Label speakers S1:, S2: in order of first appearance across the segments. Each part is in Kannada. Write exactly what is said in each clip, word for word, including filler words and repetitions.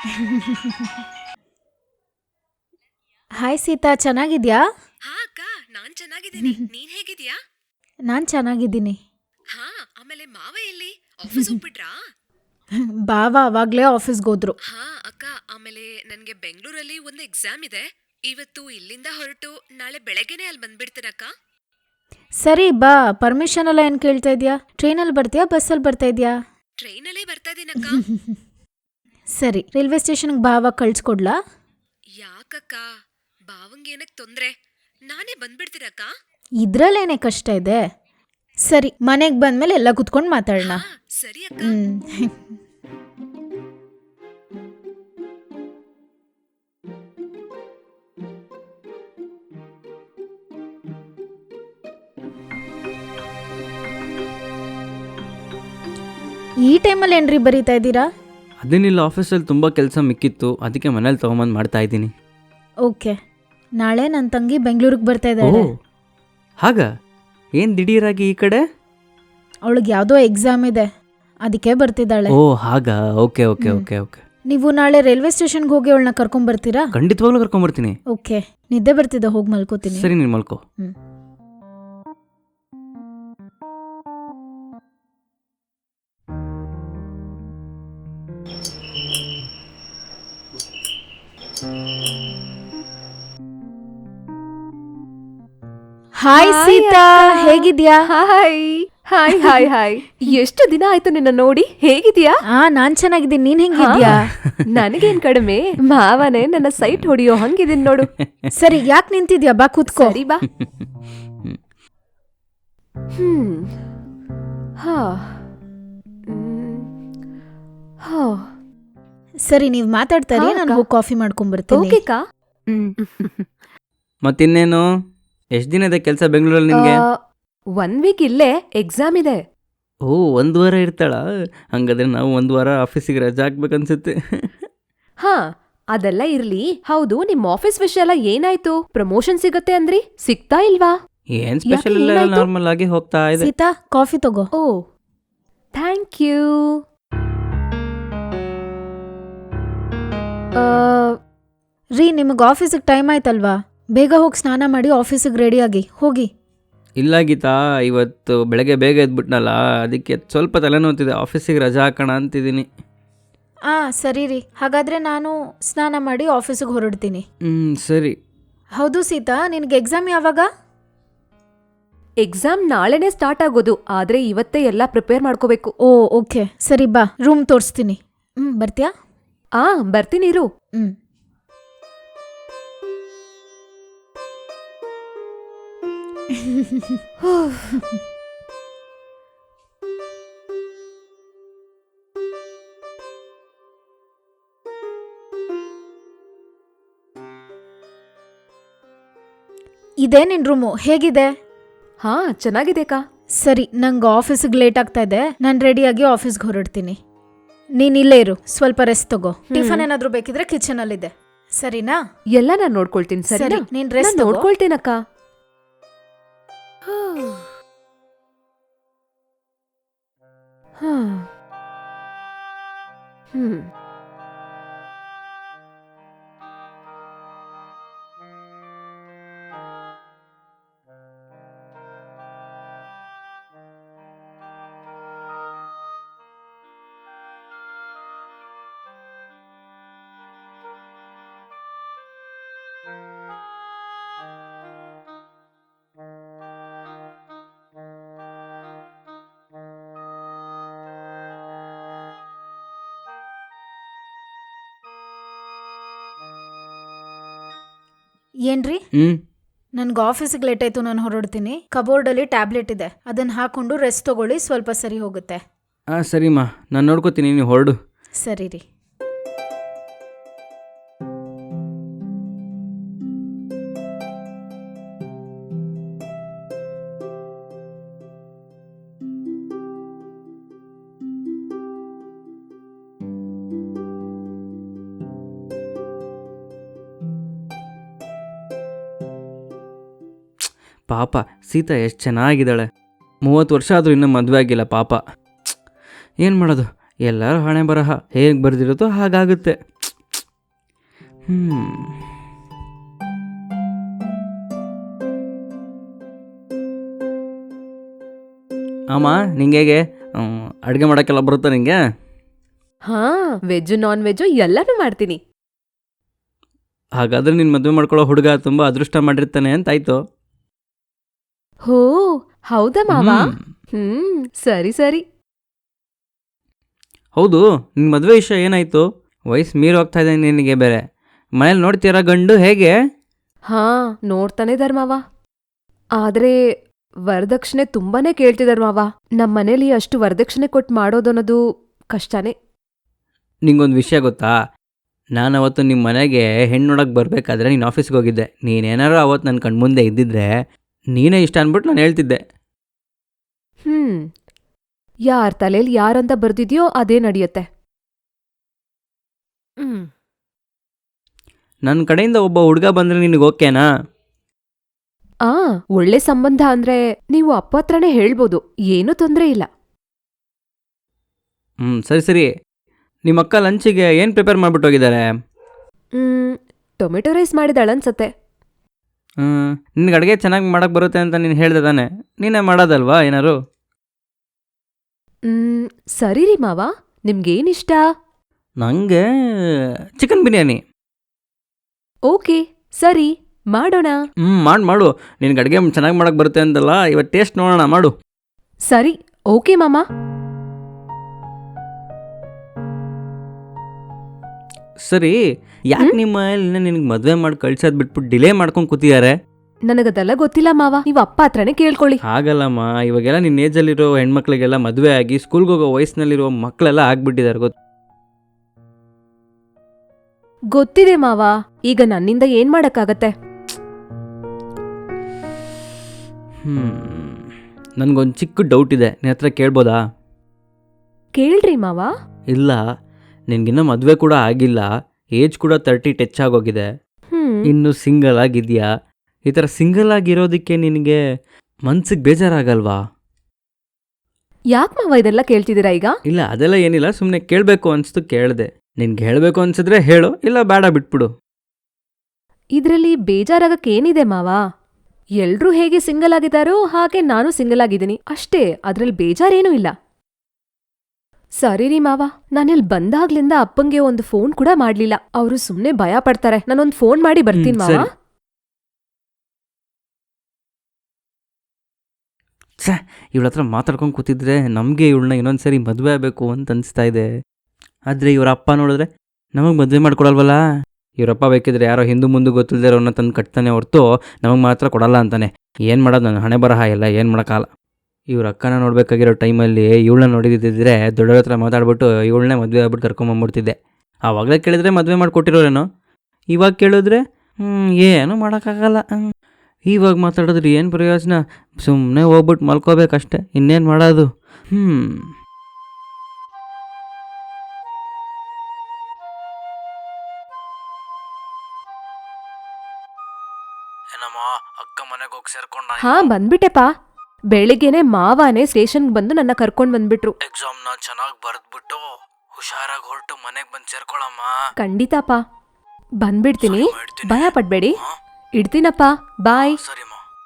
S1: ಹಾಯ್ ಸೀತಾ, ಚೆನ್ನಾಗಿದ್ಯಾ?
S2: ಹಾ ಅಕ್ಕ, ನಾನ್ ಚೆನ್ನಾಗಿದ್ದೀನಿ. ನೀನ್ ಹೇಗಿದ್ಯಾ?
S1: ನಾನು ಚೆನ್ನಾಗಿದ್ದೀನಿ.
S2: ಹಾ, ಆಮೇಲೆ ಮಾವ ಎಲ್ಲಿ? ಆಫೀಸ್ ಹೋಗ್ಬಿಟ್ರಾ?
S1: ಬಾವ ಅವಾಗ್ಲೇ ಆಫೀಸ್ಗೆ ಹೋದ್ರು.
S2: ಹಾ ಅಕ್ಕ, ಆಮೇಲೆ ನನ್ಗೆ ಬೆಂಗಳೂರಲ್ಲಿ ಒಂದು ಎಕ್ಸಾಮ್ ಇದೆ. ಇವತ್ತು ಇಲ್ಲಿಂದ ಹೊರಟು ನಾಳೆ ಬೆಳಗ್ಗೆನೆ ಅಲ್ಲಿ ಬಂದ್ಬಿಡ್ತೀನಕ್ಕ.
S1: ಸರಿ ಬಾ, ಪರ್ಮಿಷನ್ ಎಲ್ಲ ಏನು ಕೇಳ್ತಾ ಇದೆಯಾ? ಟ್ರೈನಲ್ಲಿ ಬರ್ತೀಯಾ, ಬಸ್ಸಲ್ಲಿ ಬರ್ತಾ ಇದೆಯಾ?
S2: ಟ್ರೈನಲ್ಲೇ ಬರ್ತಾ ಇದೀನಕ್ಕ.
S1: ಸರಿ, ರೈಲ್ವೆ ಸ್ಟೇಷನ್ಗೆ ಬಾವ ಕಳ್ಸ್ಕೊಡ್ಲಾ?
S2: ಯಾಕಕ್ಕ, ಬಾವಂಗೇನಕ್ ತೊಂದ್ರೆ? ನಾನೇ ಬಂದ್ಬಿಡ್ತೀನಕ್ಕ.
S1: ಇದ್ರಲ್ಲೇನೇ ಕಷ್ಟ ಇದೆ. ಸರಿ, ಮನೆಗೆ ಬಂದ್ಮೇಲೆ ಎಲ್ಲ ಕುತ್ಕೊಂಡು ಮಾತಾಡೋಣ.
S2: ಹಾ ಸರಿ ಅಕ್ಕ.
S1: ಹ್ಮ್ ಈ ಟೈಮಲ್ಲಿ ಏನ್ರಿ ಬರೀತಾ ಇದ್ದೀರಾ?
S3: ಅದೇನಿಲ್ಲ, ಆಫೀಸಲ್ಲಿ ತುಂಬ ಕೆಲಸ ಮಿಕ್ಕಿತ್ತು, ಅದಕ್ಕೆ ಮನೇಲಿ ತೊಗೊಂಬಂದು ಮಾಡ್ತಾ ಇದ್ದೀನಿ.
S1: ಓಕೆ, ನಾಳೆ ನನ್ನ ತಂಗಿ ಬೆಂಗಳೂರಿಗೆ ಬರ್ತಾ
S3: ಓ
S1: ಇದ್ದಾಳೆ.
S3: ಹಾಗ ಏನು ದಿಢೀರಾಗಿ ಈ ಕಡೆ?
S1: ಅವಳಿಗೆ ಯಾವುದೋ ಎಕ್ಸಾಮ್ ಇದೆ, ಅದಕ್ಕೆ ಬರ್ತಿದ್ದಾಳೆ.
S3: ಓ ಹಾಗ, ಓಕೆ ಓಕೆ ಓಕೆ ಓಕೆ.
S1: ನೀವು ನಾಳೆ ರೈಲ್ವೆ ಸ್ಟೇಷನ್ಗೆ ಹೋಗಿ ಅವಳನ್ನ ಕರ್ಕೊಂಡ್ ಬರ್ತೀರಾ?
S3: ಖಂಡಿತವಾಗ್ಲೂ ಕರ್ಕೊಂಬರ್ತೀನಿ.
S1: ಓಕೆ, ನಿದ್ದೆ ಬರ್ತಿದ್ದ, ಹೋಗಿ ಮಲ್ಕೋತೀನಿ.
S3: ಸರಿ, ನೀನು ಮಲ್ಕೋ.
S1: ಹ್ಮ್ ಹಾಯ್ ಸೀತಾ, ಹೇಗಿದ್ಯಾ?
S4: ಹಾಯ್ ಹಾಯ್ ಹಾಯ್ ಹಾಯ್ ಎಷ್ಟು ದಿನ ಆಯ್ತು ನಿನ್ನ ನೋಡಿ. ಹೇಗಿದ್ಯಾ?
S1: ಆ ನಾನ್ ಚೆನ್ನಾಗಿದ್ದೀನಿ, ನೀನ್ ಹೆಂಗಿದ್ಯಾ?
S4: ನನಗೇನ್ ಕಡಿಮೆ, ಮಾವನೇ ನನ್ನ ಸೈಟ್ ಹೊಡಿಯೋ ಹಂಗಿದೀನಿ ನೋಡು.
S1: ಸರಿ, ಯಾಕೆ ನಿಂತಿದ್ಯಾ? ಬಾ ಕೂತ್ಕೋ.
S4: ಸರಿ ಬಾ. ಹ್ಮ್ ಹಾ ಹ್ಮ್. ಹಾ
S1: ಸರಿ, ನೀವ್ ಮಾತಾಡ್ತಾರಿ,
S4: ಹಾ,
S1: ನಾನು
S4: ಅಕ್ಕ.
S1: ಹೋಗಿ ಕಾಫಿ ಮಾಡ್ಕೊಂಡ್ ಬರ್ತೀನಿ.
S4: ಓಕೆ ಕಾ. ಹ್ಮ್.
S3: ಮತ್ತಿನ್ನೇನು, ಎಷ್ಟು ದಿನ ಇದೆ ಕೆಲಸ ಬೆಂಗಳೂರಲ್ಲಿ ನಿನಗೆ?
S4: ಆ, ಒನ್ ವೀಕ್ ಇಲ್ಲೇ ಎಕ್ಸಾಮ್ ಇದೆ.
S3: ಓ, ಒಂದು ವಾರ ಇರ್ತಾಳ? ಹಂಗಾದ್ರೆ ನಾವು ಒಂದು ವಾರ ಆಫೀಸಿಗೆ ರಜಾ ಹಾಕ್ಬೇಕನ್ಸುತ್ತೆ.
S4: ಹಾ, ಅದೆಲ್ಲ ಇರ್ಲಿ. ಹೌದು, ನಿಮ್ ಆಫೀಸ್ ವಿಷಯ ಎಲ್ಲ ಏನಾಯ್ತು? ಪ್ರಮೋಷನ್ ಸಿಗತ್ತೆ ಅಂದ್ರಿ, ಸಿಗ್ತಾ ಇಲ್ವಾ?
S3: ಏನು ಸ್ಪೆಷಲ್ ಇಲ್ಲ,
S4: ಏನಾಯ್ತು?
S3: ನಾರ್ಮಲ್ ಆಗಿ ಹೋಗ್ತಾ ಇದೆ.
S1: ಸೀತಾ, ಕಾಫಿ ತಗೋ.
S4: Oh thank you.
S1: ರೀ, ನಿಮಗೆ ಆಫೀಸಿಗೆ ಟೈಮ್ ಆಯ್ತಲ್ವಾ? ಬೇಗ ಹೋಗಿ ಸ್ನಾನ ಮಾಡಿ ಆಫೀಸಿಗೆ ರೆಡಿಯಾಗಿ ಹೋಗಿ.
S3: ಇಲ್ಲ ಗೀತಾ, ಇವತ್ತು ಬೆಳಗ್ಗೆ ಬೇಗ ಎದ್ಬಿಟ್ನಲ್ಲ, ಅದಕ್ಕೆ ಸ್ವಲ್ಪ ತಲೆನೋತಿದೆ, ಆಫೀಸಿಗೆ ರಜಾ ಹಾಕೋಣ ಅಂತಿದ್ದೀನಿ.
S1: ಆ ಸರಿ ರೀ, ಹಾಗಾದ್ರೆ ನಾನು ಸ್ನಾನ ಮಾಡಿ ಆಫೀಸಿಗೆ ಹೊರಡ್ತೀನಿ.
S3: ಹ್ಞೂ ಸರಿ.
S1: ಹೌದು ಸೀತಾ, ನಿನಗೆ ಎಕ್ಸಾಮ್ ಯಾವಾಗ?
S4: ಎಕ್ಸಾಮ್ ನಾಳೆನೇ ಸ್ಟಾರ್ಟ್ ಆಗೋದು, ಆದ್ರೆ ಇವತ್ತೇ ಎಲ್ಲ ಪ್ರಿಪೇರ್ ಮಾಡ್ಕೋಬೇಕು.
S1: ಓ ಓಕೆ, ಸರಿ ಬಾ, ರೂಮ್ ತೋರಿಸ್ತೀನಿ. ಹ್ಮ್ ಬರ್ತೀಯಾ?
S4: ಆ ಬರ್ತೀನಿ ಇರು.
S1: ಹ್ಮ್ ಇದೇ ನಿನ್ ರೂಮು, ಹೇಗಿದೆ?
S4: ಹಾ ಚೆನ್ನಾಗಿದೆ ಕಾ.
S1: ಸರಿ, ನಂಗೆ ಆಫೀಸಿಗೆ ಲೇಟ್ ಆಗ್ತಾ ಇದೆ, ನಾನು ರೆಡಿಯಾಗಿ ಆಫೀಸ್ಗೆ ಹೊರಡ್ತೀನಿ. ನೀನ್ ಇಲ್ಲೇ ಇರು, ಸ್ವಲ್ಪ ರೆಸ್ಟ್ ತಗೋ. ಟಿಫನ್ ಏನಾದ್ರೂ ಬೇಕಿದ್ರೆ ಕಿಚನ್ ಅಲ್ಲಿದೆ, ಸರಿನಾ?
S4: ಎಲ್ಲ ನಾನ್ ನೋಡ್ಕೊಳ್ತೀನಿ. ಸರಿ,
S1: ಸರಿ, ನೀನ್ ರೆಸ್ಟ್ ತಗೋ.
S4: ನೋಡ್ಕೊಳ್ತೇನಕ್ಕ. ಹ್ಮ್
S1: ಏನ್ರಿ,
S3: ಹ್ಞೂ
S1: ನನ್ಗೆ ಆಫೀಸಿಗೆ ಲೇಟ್ ಆಯ್ತು, ನಾನು ಹೊರಡ್ತೀನಿ. ಕಬೋರ್ಡಲ್ಲಿ ಟ್ಯಾಬ್ಲೆಟ್ ಇದೆ, ಅದನ್ನ ಹಾಕೊಂಡು ರೆಸ್ಟ್ ತಗೊಳ್ಳಿ, ಸ್ವಲ್ಪ ಸರಿ ಹೋಗುತ್ತೆ.
S3: ಹಾಂ ಸರಿಮ್ಮ, ನಾನು ನೋಡ್ಕೋತೀನಿ, ನೀವು ಹೊರಡು.
S1: ಸರಿ ರೀ.
S3: ಪಾಪ ಸೀತಾ ಎಷ್ಟು ಚೆನ್ನಾಗಿದ್ದಾಳೆ. ಮೂವತ್ತು ವರ್ಷ ಆದರೂ ಇನ್ನೂ ಮದುವೆ ಆಗಿಲ್ಲ ಪಾಪ. ಏನು ಮಾಡೋದು, ಎಲ್ಲರೂ ಹಣೆ ಬರಹ ಹೇಗೆ ಬರೆದಿರುತ್ತೋ ಹಾಗಾಗುತ್ತೆ. ಹ್ಞೂ ಅಮ್ಮ ನಿಂಗೆ ಹೇಗೆ ಅಡುಗೆ ಮಾಡೋಕ್ಕೆಲ್ಲ ಬರುತ್ತಾ ನಿಂಗೆ?
S4: ಹಾ, ವೆಜ್ಜು ನಾನ್ ವೆಜ್ಜು ಎಲ್ಲನೂ ಮಾಡ್ತೀನಿ.
S3: ಹಾಗಾದ್ರೆ ನಿನ್ನ ಮದುವೆ ಮಾಡ್ಕೊಳ್ಳೋ ಹುಡುಗ ತುಂಬ ಅದೃಷ್ಟ ಮಾಡಿರ್ತಾನೆ ಅಂತಾಯ್ತು.
S4: ಹೋ, ಹೌದಾ ಮಾವ?
S3: ಹ್ಮ್.
S4: ಹ್ಮ್, ಸರಿ ಸರಿ.
S3: ಹೌದು, ನಿನ್ನ ಮದುವೆ ವಿಷಯ ಏನಾಯಿತು? ವಯಸ್ಸು ಮೀರಿ ಹೋಗ್ತಾ ಇದೆ ನಿನಗೆ ಬೇರೆ. ಮನೇಲಿ ನೋಡ್ತೀರಾ ಗಂಡು ಹೇಗೆ?
S4: ಹಾ, ನೋಡ್ತಾನೆ ಇದಾರ್ ಮಾವ. ಆದ್ರೆ ವರದಕ್ಷಿಣೆ ತುಂಬಾನೇ ಕೇಳ್ತಿದಾರ್ ಮಾವ. ನಮ್ ಮನೇಲಿ ಅಷ್ಟು ವರದಕ್ಷಿಣೆ ಕೊಟ್ಟು ಮಾಡೋದನ್ನೋದು ಕಷ್ಟನೇ.
S3: ನಿಂಗೊಂದು ವಿಷಯ ಗೊತ್ತಾ? ನಾನು ಅವತ್ತು ನಿಮ್ಮ ಮನೆಗೆ ಹೆಣ್ಣು ನೋಡೋಕೆ ಬರಬೇಕಾದ್ರೆ ನೀನು ಆಫೀಸ್ಗೆ ಹೋಗಿದ್ದೆ. ನೀನೇನಾರು ಅವತ್ತು ನನ್ನ ಕಣ್ಮುಂದೆ ಇದ್ದಿದ್ರೆ ನೀನೇ ಇಷ್ಟ ಅಂದ್ಬಿಟ್ಟು ನಾನು ಹೇಳ್ತಿದ್ದೆ.
S4: ಹ್ಮ್, ಯಾರ್ ತಲೆಯಲ್ಲಿ ಯಾರಂತ ಬರ್ದಿದ್ಯೋ ಅದೇ ನಡೆಯುತ್ತೆ. ಹ್ಮ್,
S3: ನನ್ನ ಕಡೆಯಿಂದ ಒಬ್ಬ ಹುಡುಗ ಬಂದರೆ ನಿನಗೆ ಓಕೆನಾ?
S4: ಆ ಒಳ್ಳೆ ಸಂಬಂಧ ಅಂದ್ರೆ ನೀವು ಅಪ್ಪ ಹತ್ರನೇ ಹೇಳ್ಬೋದು, ಏನೂ ತೊಂದ್ರೆ ಇಲ್ಲ.
S3: ಹ್ಞೂ ಸರಿ ಸರಿ. ನಿಮ್ಮ ಅಕ್ಕ ಲಂಚಿಗೆ ಏನು ಪ್ರಿಪೇರ್ ಮಾಡಿಬಿಟ್ಟು ಹೋಗಿದ್ದಾರೆ?
S4: ಹ್ಮ್, ಟೊಮೆಟೊ ರೈಸ್ ಮಾಡಿದಾಳನ್ಸತ್ತೆ.
S3: ಹ್ಞೂ ನಿನಗೆ ಅಡುಗೆ ಚೆನ್ನಾಗಿ ಮಾಡೋಕ್ಕೆ ಬರುತ್ತೆ ಅಂತ ನೀನು ಹೇಳ್ದೆ ತಾನೆ, ನೀನೇ ಮಾಡೋದಲ್ವಾ ಏನಾರು?
S4: ಹ್ಮ್, ಸರಿ ರೀ ಮಾವ, ನಿಮ್ಗೇನಿಷ್ಟ?
S3: ನನಗೆ ಚಿಕನ್ ಬಿರಿಯಾನಿ.
S4: ಓಕೆ, ಸರಿ ಮಾಡೋಣ.
S3: ಹ್ಞೂ ಮಾಡು ಮಾಡು. ನಿನಗೆ ಅಡುಗೆ ಚೆನ್ನಾಗಿ ಮಾಡೋಕ್ಕೆ ಬರುತ್ತೆ ಅಂತಲ್ಲ, ಇವತ್ತು ಟೇಸ್ಟ್ ನೋಡೋಣ, ಮಾಡು.
S4: ಸರಿ, ಓಕೆ ಮಾಮ.
S3: ಸರಿ, ಯಾಕೆ ನಿಮ್ಮ ಮನೇಲಿ ನಿನಗೆ ಮದುವೆ ಮಾಡಿ ಕಳ್ಸೋದು ಬಿಟ್ಬಿಟ್ಟು ಡಿಲೇ ಮಾಡ್ಕೊಂಡು ಕೂತಿದ್ದಾರೆ?
S4: ನನಗದೆಲ್ಲ ಗೊತ್ತಿಲ್ಲ ಮಾವ, ನೀವು ಅಪ್ಪ ಹತ್ರನೇ ಕೇಳ್ಕೊಳ್ಳಿ.
S3: ಹಾಗಲ್ಲಮ್ಮ, ಇವಾಗೆಲ್ಲ ನಿನ್ನ ಏಜಲ್ಲಿರೋ ಹೆಣ್ಮಕ್ಳಿಗೆಲ್ಲ ಮದುವೆ ಆಗಿ ಸ್ಕೂಲ್ಗೆ ಹೋಗೋ ವಯಸ್ಸಿನಲ್ಲಿರೋ ಮಕ್ಕಳೆಲ್ಲ ಆಗ್ಬಿಟ್ಟಿದ್ದಾರೆ ಗೊತ್ತು.
S4: ಗೊತ್ತಿದೆ ಮಾವ, ಈಗ ನನ್ನಿಂದ ಏನ್ ಮಾಡಕ್ಕಾಗತ್ತೆ?
S3: ಹ್ಞೂ ನನಗೊಂದು ಚಿಕ್ಕ ಡೌಟ್ ಇದೆ, ನಿನ್ನ ಹತ್ರ ಕೇಳ್ಬೋದಾ?
S4: ಕೇಳ್ರಿ ಮಾವ.
S3: ಇಲ್ಲ, ನಿನಗಿನ್ನೂ ಮದುವೆ ಕೂಡ ಆಗಿಲ್ಲ, ಏಜ್ ಕೂಡ ತರ್ಟಿ ಟಚ್ ಆಗೋಗಿದೆ,
S4: ಹ್ಮ್,
S3: ಇನ್ನು ಸಿಂಗಲ್ ಆಗಿದೆಯಾ? ಈ ಥರ ಸಿಂಗಲ್ ಆಗಿರೋದಕ್ಕೆ ನಿನಗೆ ಮನ್ಸಿಗೆ ಬೇಜಾರಾಗಲ್ವಾ?
S4: ಯಾಕ್ ಮಾವ ಇದೆಲ್ಲ ಕೇಳ್ತಿದ್ದೀರಾ ಈಗ?
S3: ಇಲ್ಲ ಅದೆಲ್ಲ ಏನಿಲ್ಲ, ಸುಮ್ಮನೆ ಕೇಳಬೇಕು ಅನಿಸ್ತು ಕೇಳಿದೆ. ನಿನ್ಗೆ ಹೇಳಬೇಕು ಅನ್ಸಿದ್ರೆ ಹೇಳು, ಇಲ್ಲ ಬೇಡ ಬಿಟ್ಬಿಡು.
S4: ಇದ್ರಲ್ಲಿ ಬೇಜಾರಾಗಕ್ಕೇನಿದೆ ಮಾವ? ಎಲ್ರೂ ಹೇಗೆ ಸಿಂಗಲ್ ಆಗಿದ್ದಾರೋ ಹಾಗೆ ನಾನು ಸಿಂಗಲ್ ಆಗಿದ್ದೀನಿ ಅಷ್ಟೇ, ಅದ್ರಲ್ಲಿ ಬೇಜಾರೇನೂ ಇಲ್ಲ. ಸರಿ ರೀ ಮಾವ, ನಾನಿಲ್ಲಿ ಬಂದಾಗ್ಲಿಂದ ಅಪ್ಪಂಗೆ ಒಂದು ಫೋನ್ ಕೂಡ ಮಾಡ್ಲಿಲ್ಲ. ಅವರು ಸುಮ್ನೆ ಭಯ ಪಡ್ತಾರೆ. ನಾನೊಂದು ಫೋನ್ ಮಾಡಿ ಬರ್ತೀನಿ
S3: ಹ್ಮ್,
S4: ಮಾವ.
S3: ಸರಿ. ಛೇ, ಇವಳ ಹತ್ರ ಮಾತಾಡ್ಕೊಂಡು ಕೂತಿದ್ರೆ ನಮಗೆ ಇವಳನ್ನ ಇನ್ನೊಂದ್ಸರಿ ಮದುವೆ ಆಗಬೇಕು ಅಂತ ಅನಿಸ್ತಾ ಇದೆ. ಆದರೆ ಇವರ ಅಪ್ಪ ನೋಡಿದ್ರೆ ನಮಗೆ ಮದುವೆ ಮಾಡ್ಕೊಡಲ್ವಲ್ಲ. ಇವರಪ್ಪ ಬೇಕಿದ್ರೆ ಯಾರೋ ಹಿಂದೂ ಮುಂದೆ ಗೊತ್ತಿಲ್ಲದೆ ಅವ್ರನ್ನ ತಂದು ಕಟ್ತಾನೆ ಹೊರತು ನಮಗೆ ಮಾತ್ರ ಕೊಡಲ್ಲ ಅಂತಾನೆ. ಏನು ಮಾಡೋದು, ನನ್ನ ಹಣೆ ಬರಹ ಎಲ್ಲ ಏನು ಮಾಡೋಕ್ಕಾಗಲ್ಲ. ಇವ್ರ ಅಕ್ಕನ ನೋಡಬೇಕಾಗಿರೋ ಟೈಮಲ್ಲಿ ಇವಳನ್ನ ನೋಡಿದ್ದಿದ್ರೆ ದೊಡ್ಡವ್ರ ಹತ್ರ ಮಾತಾಡ್ಬಿಟ್ಟು ಇವಳನ್ನೇ ಮದುವೆ ಆಗ್ಬಿಟ್ಟು ಕರ್ಕೊಂಬಂದ್ಬಿಡ್ತಿದ್ದೆ. ಆವಾಗಲೇ ಕೇಳಿದ್ರೆ ಮದುವೆ ಮಾಡಿಕೊಟ್ಟಿರೋರೇನೋ, ಇವಾಗ ಕೇಳಿದ್ರೆ ಹ್ಞೂ ಏನೂ ಮಾಡೋಕ್ಕಾಗಲ್ಲ. ಇವಾಗ ಮಾತಾಡಿದ್ರೆ ಏನು ಪ್ರಯೋಜನ? ಸುಮ್ಮನೆ ಹೋಗ್ಬಿಟ್ಟು ಮಲ್ಕೋಬೇಕಷ್ಟೆ, ಇನ್ನೇನು ಮಾಡೋದು? ಹ್ಞೂ ಏನಮ್ಮ, ಅಕ್ಕ ಮನೆಗೆ ಹೋಗಿ ಸೇರ್ಕೊಂಡ?
S4: ಹಾ, ಬಂದ್ಬಿಟ್ಟೆಪಾ. ಬೆಳಿಗ್ಗೆನೆ ಮಾವಾನೇ ಸ್ಟೇಷನ್ಗೆ ಬಂದು ನನ್ನ ಕರ್ಕೊಂಡ್ ಬಂದ್ಬಿಟ್ರು.
S3: ಎಕ್ಸಾಮ್ನ ಚೆನ್ನಾಗಿ ಬರೆದ್ಬಿಟ್ಟು ಹುಷಾರಾಗಿ ಹೊರಟು ಮನೆಗೆ ಬಂದು ಸೇರ್ಕೊಳ್ಳಮ್ಮ.
S4: ಖಂಡಿತಪ್ಪ, ಬಂದ್ಬಿಡ್ತೀನಿ,
S3: ಸರಿ, ಮಾಡ್ತೀನಿ.
S4: ಭಯ ಪಡ್ಬೇಡಿ.
S3: ಹಾ?
S4: ಇಡ್ತೀನಪ್ಪ, ಬಾಯ್.
S3: ಸರಿಮ್ಮ.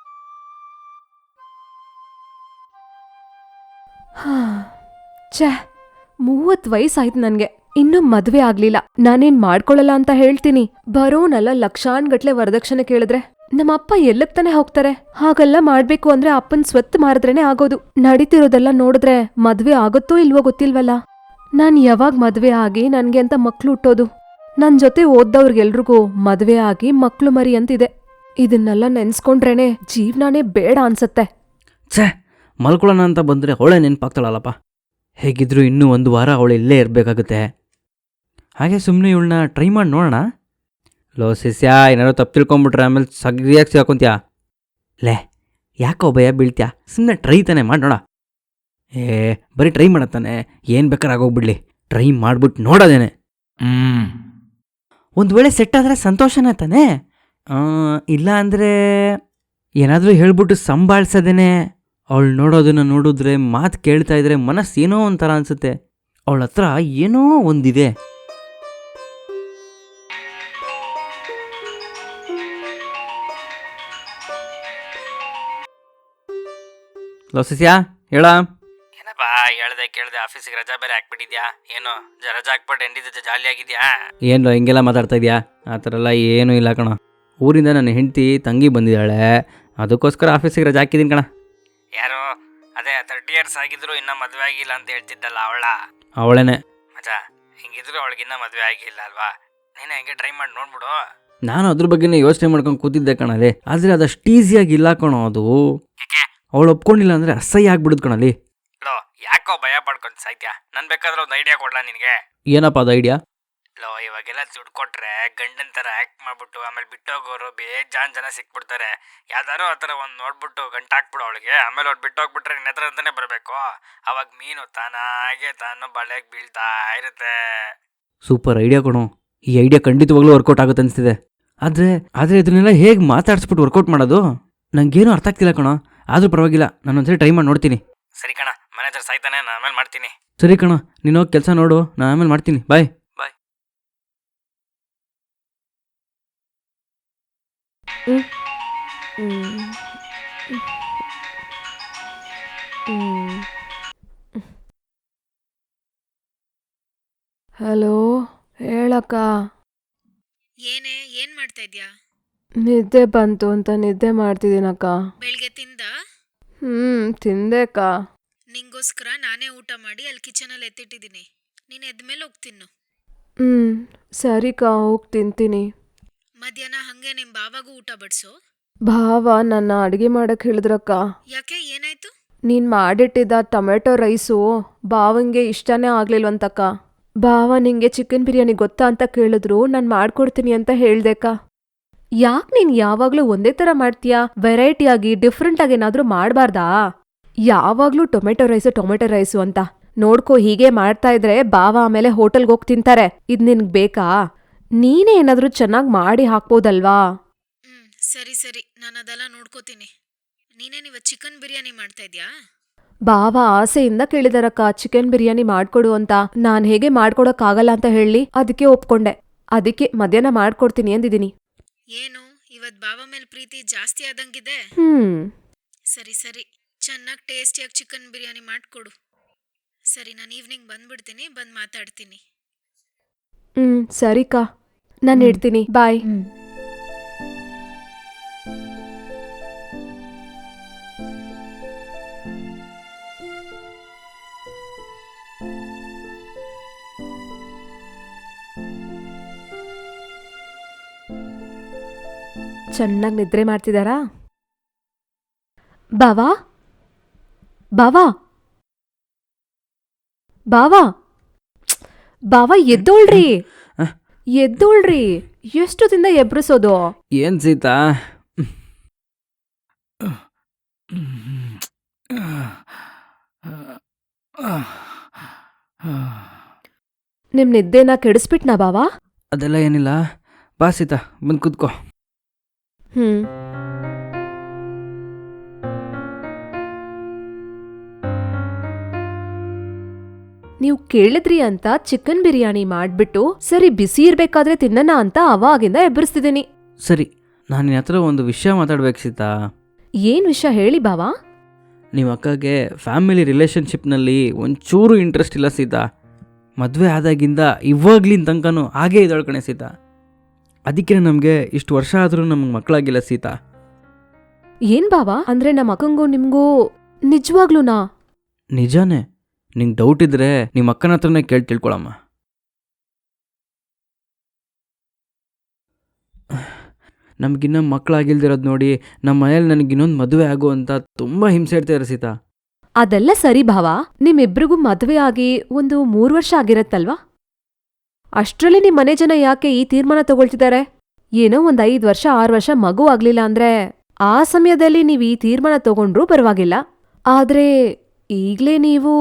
S4: ಹಾ, ಛೇ, ಮೂವತ್ ವಯಸ್ಸಾಯ್ತು ನನ್ಗೆ, ಇನ್ನೂ ಮದ್ವೆ ಆಗ್ಲಿಲ್ಲ. ನಾನೇನ್ ಮಾಡ್ಕೊಳಲ್ಲ ಅಂತ ಹೇಳ್ತೀನಿ, ಬರೋನಲ್ಲ ಲಕ್ಷಾನ್ಗಟ್ಲೆ ವರದಕ್ಷಿಣೆ ಕೇಳಿದ್ರೆ ನಮ್ಮಪ್ಪ ಎಲ್ಲಕ್ ತಾನೆ ಹೋಗ್ತಾರೆ? ಹಾಗೆಲ್ಲ ಮಾಡ್ಬೇಕು ಅಂದ್ರೆ ಅಪ್ಪನ್ ಸ್ವತ್ತು ಮಾರಿದ್ರೇನೆ ಆಗೋದು. ನಡೀತಿರೋದೆಲ್ಲ ನೋಡಿದ್ರೆ ಮದ್ವೆ ಆಗುತ್ತೋ ಇಲ್ವೋ ಗೊತ್ತಿಲ್ವಲ್ಲ. ನಾನ್ ಯಾವಾಗ ಮದ್ವೆ ಆಗಿ ನನ್ಗೆ ಅಂತ ಮಕ್ಳು ಹುಟ್ಟೋದು? ನನ್ ಜೊತೆ ಓದ್ದವ್ರಿಗೆಲ್ರಿಗೂ ಮದ್ವೆ ಆಗಿ ಮಕ್ಳು ಮರಿ ಅಂತಿದೆ. ಇದನ್ನೆಲ್ಲ ನೆನ್ಸ್ಕೊಂಡ್ರೇನೆ ಜೀವ್ನಾನೇ ಬೇಡ ಅನ್ಸತ್ತೆ.
S3: ಛೇ, ಮಲ್ಕೊಳ್ಳೋಣ ಅಂತ ಬಂದರೆ ಅವಳೇ ನೆನಪಾಗ್ತಾಳಲ್ಲಪ್ಪ. ಹೇಗಿದ್ರು ಇನ್ನೂ ಒಂದು ವಾರ ಅವಳು ಇಲ್ಲೇ ಇರಬೇಕಾಗುತ್ತೆ. ಹಾಗೆ ಸುಮ್ಮನೆ ಇವಳನ್ನ ಟ್ರೈ ಮಾಡಿ ನೋಡೋಣ. ಲೋ ಸಿಸ್ಯಾ, ಏನಾದ್ರು ತಪ್ಪು ತಿಳ್ಕೊಂಬಿಟ್ರೆ ಆಮೇಲೆ ಸಗ್ರಿಯಾಗಿ ಸಿಗಾಕೊಂತ್ಯಾ. ಲೇ, ಯಾಕೋ ಭಯ ಬೀಳ್ತ್ಯಾ? ಸುಮ್ಮನೆ ಟ್ರೈ ತಾನೆ ಮಾಡಿ ನೋಡ. ಏ ಬರೀ ಟ್ರೈ ಮಾಡತ್ತಾನೆ, ಏನು ಬೇಕಾದ್ರೆ ಆಗೋಗ್ಬಿಡ್ಲಿ, ಟ್ರೈ ಮಾಡ್ಬಿಟ್ಟು ನೋಡೋದೇನೆ. ಹ್ಞೂ ಒಂದು ವೇಳೆ ಸೆಟ್ ಆದರೆ ಸಂತೋಷನೇ ತಾನೆ. ಇಲ್ಲ ಅಂದರೆ ಏನಾದರೂ ಹೇಳ್ಬಿಟ್ಟು ಸಂಭಾಳಿಸೋದೇನೆ. ಅವಳು ನೋಡೋದನ್ನ ನೋಡಿದ್ರೆ, ಮಾತು ಕೇಳ್ತಾ ಇದ್ರೆ ಮನಸ್ಸು ಏನೋ ಒಂಥರ ಅನಿಸುತ್ತೆ. ಅವಳ ಹತ್ರ ಏನೋ ಒಂದಿದೆ. ಲೋಸಿಸ್ಯಾ ಹೇಳ. ಏನಪ್ಪ ಹೇಳ್ದೆ ಕೇಳ್ದೆ ಆಫೀಸಿಗೆ ರಜಾ ಬೇರೆ ಹಾಕ್ಬಿಟ್ಟಿದ್ಯಾ, ಏನು ಜ ರಜಾ ಹಾಕ್ಬಿಟ್ಟು ಹೆಂಡತಿ ಜೊತೆ ಜಾಲಿ ಆಗಿದ್ಯಾ? ಏನು ಹಿಂಗೆಲ್ಲ ಮಾತಾಡ್ತಾ ಇದೆಯಾ? ಆ ಥರ ಎಲ್ಲ ಏನೂ ಇಲ್ಲ ಕಣ. ಊರಿಂದ ನನ್ನ ಹೆಂಡತಿ ತಂಗಿ ಬಂದಿದ್ದಾಳೆ, ಅದಕ್ಕೋಸ್ಕರ ಆಫೀಸಿಗೆ ರಜಾ ಹಾಕಿದ್ದೀನಿ ಕಣ. ಯಾರು? ಅದೇ ತರ್ಟಿ ಇಯರ್ಸ್ ಆಗಿದ್ರು ಇನ್ನೂ ಮದುವೆ ಆಗಿಲ್ಲ ಅಂತ ಹೇಳ್ತಿದ್ದಲ್ಲ ಅವಳ? ಅವಳೇನೆ ಮಜಾ. ಹಿಂಗಿದ್ರು ಅವಳಿಗಿನ್ನ ಮದುವೆ ಆಗಿಲ್ಲ ಅಲ್ವಾ? ನೀನು ಹೆಂಗೆ ಟ್ರೈ ಮಾಡಿ ನೋಡ್ಬಿಡು. ನಾನು ಅದ್ರ ಬಗ್ಗೆನೇ ಯೋಚನೆ ಮಾಡ್ಕೊಂಡು ಕೂತಿದ್ದೆ ಕಣಲ್ಲಿ, ಆದರೆ ಅದಷ್ಟು ಈಸಿಯಾಗಿ ಇಲ್ಲ ಕಣೋ ಅದು. ಅವಳು ಒಪ್ಕೊಂಡಿಲ್ಲ ಅಂದರೆ ಅಸಹ್ಯ ಆಗ್ಬಿಡುದು ಕಣಲ್ಲಿ. ಲೋ ಯಾಕೋ ಭಯ ಪಡ್ಕೊಂಡು ಸಾಯ್ತ್ಯಾ? ನಾನು ಬೇಕಾದ್ರೆ ಒಂದು ಐಡಿಯಾ ಕೊಡ್ಲಾ ನಿನಗೆ? ಏನಪ್ಪ ಅದು ಐಡಿಯಾ? ಲೋ ಇವಾಗೆಲ್ಲ ದುಡ್ಡು ಕೊಟ್ರೆ ಗಂಡನ ಥರ ಆ್ಯಕ್ಟ್ ಮಾಡ್ಬಿಟ್ಟು ಆಮೇಲೆ ಬಿಟ್ಟೋಗೋರು ಬೇಜಾನ್ ಜನ ಸಿಕ್ಬಿಡ್ತಾರೆ. ಯಾವ್ದಾರು ಆ ಥರ ಒಂದು ನೋಡ್ಬಿಟ್ಟು ಗಂಟು ಹಾಕ್ಬಿಡು ಅವಳಿಗೆ, ಆಮೇಲೆ ಅವ್ರು ಬಿಟ್ಟೋಗ್ಬಿಟ್ರೆ ನಿನ್ನ ಹತ್ರ ಅಂತಾನೆ ಬರಬೇಕು. ಅವಾಗ ಮೀನು ತಾನಾಗೆ ತಾನು ಬಳೆಗೆ ಬೀಳ್ತಾ ಇರುತ್ತೆ. ಸೂಪರ್ ಐಡಿಯಾ ಕೊಡು. ಈ ಐಡಿಯಾ ಖಂಡಿತವಾಗ್ಲೂ ವರ್ಕೌಟ್ ಆಗುತ್ತೆ ಅನಿಸ್ತಿದೆ. ಆದರೆ ಆದರೆ ಇದನ್ನೆಲ್ಲ ಹೇಗೆ ಮಾತಾಡಿಸ್ಬಿಟ್ಟು ವರ್ಕೌಟ್ ಮಾಡೋದು ನನಗೇನು ಅರ್ಥ ಆಗ್ತಿಲ್ಲ ಕಣೋ. ಆದರೂ ಪರವಾಗಿಲ್ಲ, ನಾನು ಒಂದ್ಸರಿ ಟ್ರೈ ಮಾಡಿ ನೋಡ್ತೀನಿ. ಸರಿ ಕಣ, ಮ್ಯಾನೇಜರ್ ಸಾಯ್ತಾನೆ, ನಾನು ಆಮೇಲೆ ಮಾಡ್ತೀನಿ. ಸರಿ ಕಣ, ನೀನು ಹೋಗಿ ಕೆಲಸ ನೋಡು, ನಾನು ಆಮೇಲೆ ಮಾಡ್ತೀನಿ. ಬಾಯ್ ಬಾಯ್.
S4: ಹಲೋ, ಹೇಳಕ್ಕ.
S2: ಏನೇ ಏನ್ ಮಾಡ್ತಾ ಇದ್ಯಾ?
S4: ನಿದ್ದೆ ಬಂತು ಅಂತ ನಿದ್ದೆ ಮಾಡ್ತಿದ್ದೀನಕ್ಕ.
S2: ಬೆಳಿಗ್ಗೆ ತಿಂದ?
S4: ಹ್ಮ್ ತಿಂದೆಕ್ಕ.
S2: ನಿಂಗೋಸ್ಕರ ನಾನೇ ಊಟ ಮಾಡಿ ಅಲ್ಲಿ ಕಿಚನಲ್ಲಿ ಎತ್ತಿಟ್ಟಿದ್ದೀನಿ. ನೀನು ಎದ್ಮೇಲೆ ಹೋಗಿ ತಿನ್ನು.
S4: ಹ್ಮ್ ಸರಿಕ್ಕ, ಹೋಗಿ ತಿಂತೀನಿ.
S2: ಮಧ್ಯಾಹ್ನ ಹಂಗೆ ನಿಮ್ಮ ಬಾವಾಗೂ ಊಟ ಬಡಿಸು.
S4: ಭಾವ ನನ್ನ ಅಡುಗೆ ಮಾಡಕ್ಕೆ ಹೇಳಿದ್ರಕ್ಕ.
S2: ಯಾಕೆ, ಏನಾಯ್ತು?
S4: ನೀನು ಮಾಡಿಟ್ಟಿದ್ದ ಟೊಮೆಟೊ ರೈಸು ಭಾವಂಗೆ ಇಷ್ಟನೇ ಆಗ್ಲಿಲ್ವಂತಕ್ಕ. ಭಾವ ನಿಂಗೆ ಚಿಕನ್ ಬಿರಿಯಾನಿ ಗೊತ್ತಾ ಅಂತ ಕೇಳಿದ್ರು, ನಾನು ಮಾಡ್ಕೊಡ್ತೀನಿ ಅಂತ ಹೇಳ್ದೆಕ್ಕ. ಯಾಕೆ ನೀನು ಯಾವಾಗಲೂ ಒಂದೇ ಥರ ಮಾಡ್ತೀಯಾ? ವೆರೈಟಿಯಾಗಿ ಡಿಫ್ರೆಂಟಾಗಿ ಏನಾದರೂ ಮಾಡಬಾರ್ದಾ? ಯಾವಾಗಲೂ ಟೊಮೆಟೊ ರೈಸು ಟೊಮೆಟೊ ರೈಸು ಅಂತ ನೋಡ್ಕೋ. ಹೀಗೆ ಮಾಡ್ತಾ ಇದ್ರೆ ಭಾವ ಆಮೇಲೆ ಹೋಟೆಲ್ಗೆ ಹೋಗಿ ತಿಂತಾರೆ. ಇದು ನಿನ್ಗೆ ಬೇಕಾ? ನೀನೇ ಏನಾದರೂ ಚೆನ್ನಾಗಿ ಮಾಡಿ ಹಾಕ್ಬೋದಲ್ವಾ?
S2: ಹ್ಮ್ ಸರಿ ಸರಿ, ನಾನು ಅದೆಲ್ಲ ನೋಡ್ಕೋತೀನಿ. ನೀನೇನಿವ ಚಿಕನ್ ಬಿರಿಯಾನಿ ಮಾಡ್ತಾ ಇದ್ಯಾ?
S4: ಭಾವ ಆಸೆಯಿಂದ ಕೇಳಿದಾರಕ್ಕ ಚಿಕನ್ ಬಿರಿಯಾನಿ ಮಾಡ್ಕೊಡು ಅಂತ. ನಾನ್ ಹೇಗೆ ಮಾಡ್ಕೊಡಕ್ಕಾಗಲ್ಲ ಅಂತ ಹೇಳಿ ಅದಕ್ಕೆ ಒಪ್ಕೊಂಡೆ. ಅದಕ್ಕೆ ಮಧ್ಯಾಹ್ನ ಮಾಡ್ಕೊಡ್ತೀನಿ ಅಂದಿದ್ದೀನಿ.
S2: ಏನು ಇವತ್ ಬಾವ ಮೇಲೆ ಪ್ರೀತಿ ಜಾಸ್ತಿ ಆದಂಗಿದೆ.
S4: ಹ್ಮ್
S2: ಸರಿ ಸರಿ, ಚೆನ್ನಾಗಿ ಟೇಸ್ಟಿಯಾಗಿ ಚಿಕನ್ ಬಿರಿಯಾನಿ ಮಾಡ್ಕೊಡು. ಸರಿ, ನಾನು ಈವ್ನಿಂಗ್ ಬಂದ್ಬಿಡ್ತೀನಿ, ಬಂದು ಮಾತಾಡ್ತೀನಿ.
S4: ಹ್ಮ್ ಸರಿಕಾ, ನಾನು ಇಡ್ತೀನಿ. ಬಾಯ್.
S1: ಹ್ಞೂ
S4: ಚೆನ್ನಾಗಿ ನಿದ್ರೆ ಮಾಡ್ತಿದಾರಾ? ಬಾವಾ ಬಾವಾ ಬಾವಾ ಬಾವಾ ಎದ್ದೋಳ್ರಿ, ಎದ್ದೋಳ್ರಿ. ಎಷ್ಟು ದಿನ ಎಬ್ರಿಸೋದು?
S3: ಏನು ಸೀತಾ?
S4: ನಿಮ್ ನಿದ್ದೆನ ಕೆಡಿಸ್ಬಿಟ್ನಾ ಬಾವಾ?
S3: ಅದೆಲ್ಲ ಏನಿಲ್ಲ, ಬಾ ಸೀತಾ ಬಂದು ಕೂತ್ಕೋ.
S4: ಹ್ಮ್ ನೀವು ಕೇಳಿದ್ರಿ ಅಂತ ಚಿಕನ್ ಬಿರಿಯಾನಿ ಮಾಡ್ಬಿಟ್ಟು ಸರಿ ಬಿಸಿ ಇರ್ಬೇಕಾದ್ರೆ ತಿನ್ನಣ ಅಂತ ಅವಾಗಿಂದ ಎಬ್ಬರಿಸ್ತಿದ್ದೀನಿ.
S3: ಸರಿ, ನಾನು ನಿನ್ನ ಹತ್ರ ಒಂದು ವಿಷಯ ಮಾತಾಡ್ಬೇಕು ಸೀತಾ.
S4: ಏನ್ ವಿಷಯ ಹೇಳಿ ಬಾವಾ?
S3: ನಿಮ್ಮ ಅಕ್ಕಗೆ ಫ್ಯಾಮಿಲಿ ರಿಲೇಷನ್ಶಿಪ್ನಲ್ಲಿ ಒಂಚೂರು ಇಂಟ್ರೆಸ್ಟ್ ಇಲ್ಲ ಸೀತಾ. ಮದುವೆ ಆದಾಗಿಂದ ಇವಾಗ್ಲಿನ ತನಕನೂ ಹಾಗೇ ಇದ್ದಾಳೆ ಕಣೆ ಸೀತಾ. ಅದಕ್ಕೆ ನಮಗೆ ಇಷ್ಟು ವರ್ಷ ಆದರೂ ನಮಗೆ ಮಕ್ಕಳಾಗಿಲ್ಲ ಸೀತಾ.
S4: ಏನ್ ಬಾವಾ ಅಂದ್ರೆ ನಮ್ಮ ಅಕ್ಕಂಗೂ ನಿಮ್ಗೂ ನಿಜವಾಗ್ಲೂನಾ?
S3: ನಿಜಾನೇ. ನಿಂಗೆ ಡೌಟ್ ಇದ್ರೆ ನಿಮ್ಮ ಅಕ್ಕನ ಹತ್ರನೇ ಕೇಳಿ ತಿಳ್ಕೊಳಮ್ಮ. ನಮಗಿನ್ನ ಮಕ್ಕಳಾಗಿಲ್ದಿರೋದು ನೋಡಿ ನಮ್ಮ ಮನೇಲಿ ನನಗಿನ್ನೊಂದು ಮದುವೆ ಆಗು ಅಂತ ತುಂಬ ಹಿಂಸೆ ಇಡ್ತಾರೆ ಸೀತಾ.
S4: ಅದೆಲ್ಲ ಸರಿ ಭಾವಾ, ನಿಮ್ಮಿಬ್ರಿಗೂ ಮದ್ವೆ ಆಗಿ ಒಂದು ಮೂರು ವರ್ಷ ಆಗಿರತ್ತಲ್ವಾ? ಅಷ್ಟ್ರಲ್ಲಿ ನಿಮ್ ಮನೆ ಜನ ಯಾಕೆ ಈ ತೀರ್ಮಾನ ತಗೊಳ್ತಿದ್ದಾರೆ? ಏನೋ ಒಂದ್ ಐದ್ ವರ್ಷ ಆರು ವರ್ಷ ಮಗು ಆಗ್ಲಿಲ್ಲ ಅಂದ್ರೆ ಆ ಸಮಯದಲ್ಲಿ ನೀವ್ ಈ ತೀರ್ಮಾನ ತಗೊಂಡ್ರೂ ಪರವಾಗಿಲ್ಲ. ಆದ್ರೆ ಈಗ್ಲೇ ನೀವು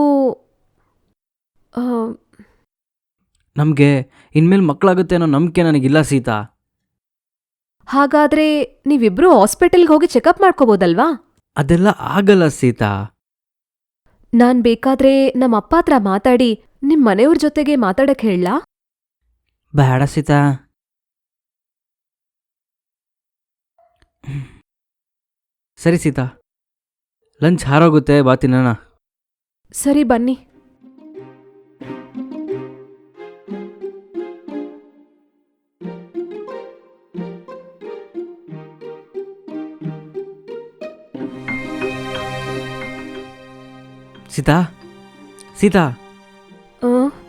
S3: ನಮಗೆ ಇನ್ಮೇಲೆ ಮಕ್ಕಳಾಗುತ್ತೆ ಅನ್ನೋ ನಂಬಿಕೆ ನನಗಿಲ್ಲ ಸೀತಾ.
S4: ಹಾಗಾದ್ರೆ ನೀವಿಬ್ರು ಹಾಸ್ಪಿಟಲ್ಗೆ ಹೋಗಿ ಚೆಕಪ್ ಮಾಡ್ಕೋಬೋದಲ್ವಾ?
S3: ಅದೆಲ್ಲ ಆಗಲ್ಲ ಸೀತಾ.
S4: ನಾನ್ ಬೇಕಾದ್ರೆ ನಮ್ಮ ಅಪ್ಪ ಹತ್ರ ಮಾತಾಡಿ ನಿಮ್ ಮನೆಯವ್ರ ಜೊತೆಗೆ ಮಾತಾಡಕ್ ಹೇಳಲಾ?
S3: ಬೇಡ ಸೀತಾ. ಸರಿ ಸೀತಾ, ಲಂಚ್ ಹಾರೋಗುತ್ತೆ, ಬಾ ತಿನ್ನೋಣ.
S4: ಸರಿ ಬನ್ನಿ.
S3: ಸೀತಾ ಸೀತಾ
S4: ಆ